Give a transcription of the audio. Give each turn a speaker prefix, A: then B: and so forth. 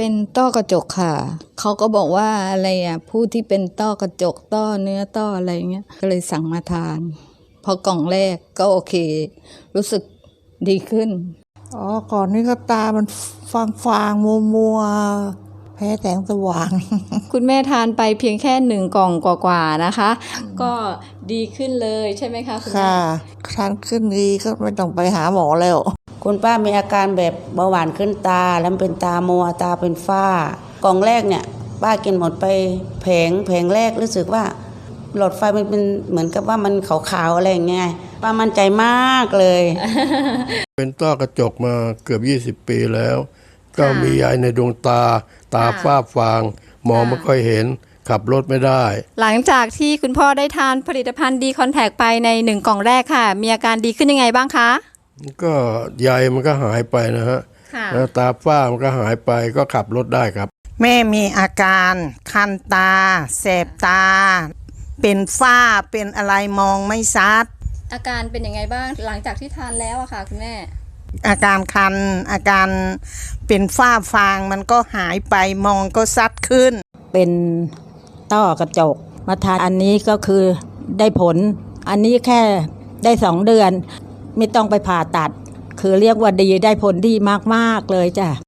A: เป็นต้อกระจกค่ะเขาก็บอกว่าอะไรผู้ที่เป็นต้อกระจกต้อเนื้อต้ออะไรเงี้ยก็เลยสั่งมาทานพอกล่องแรกก็โอเครู้สึกดีขึ้น
B: ก่อนนี้ก็ตามันฟางมัวแพ้แสงสว่าง
C: คุณแม่ทานไปเพียงแค่1 กล่องกว่าๆนะคะ ก็ดีขึ้นเลยใช่ไหมคะคุณแม่
B: ค่ะทานขึ้นดีก็ไม่ต้องไปหาหมอแล้ว
D: คุณป้ามีอาการแบบเบาหวานขึ้นตาแล้วเป็นตามัวตาเป็นฝ้ากล่องแรกเนี่ยป้ากินหมดไปแผงแรกรู้สึกว่าหลอดไฟมันเป็นเหมือนกับว่ามันขาวๆอะไรอย่างเงี้ยป้ามั่นใจมากเลย
E: เป็นต้อกระจกมาเกือบ20 ปีแล้ว ก็มียายในดวงตาฝ้าฟางมองไม่ค่อยเห็นขับรถไม่ได้
C: หลังจากที่คุณพ่อได้ทานผลิตภัณฑ์ดีคอนแทคไปใน1 กล่องแรกค่ะมีอาการดีขึ้นยังไงบ้างคะ
E: ก็ใยมันก็หายไปนะฮะแล้วตาฝ้ามันก็หายไปก็ขับรถได้ครับ
B: แม่มีอาการคันตาแสบตาเป็นฝ้าเป็นอะไรมองไม่ชัด
C: อาการเป็นยังไงบ้างหลังจากที่ทานแล้วอะค่ะคุณแม่
B: อาการคันอาการเป็นฝ้าฟางมันก็หายไปมองก็ชัดขึ้น
D: เป็นต้อกระจกมาทานอันนี้ก็คือได้ผลอันนี้แค่ได้2 เดือนไม่ต้องไปผ่าตัดคือเรียกว่าดีได้ผลดีมากๆเลยจ้ะ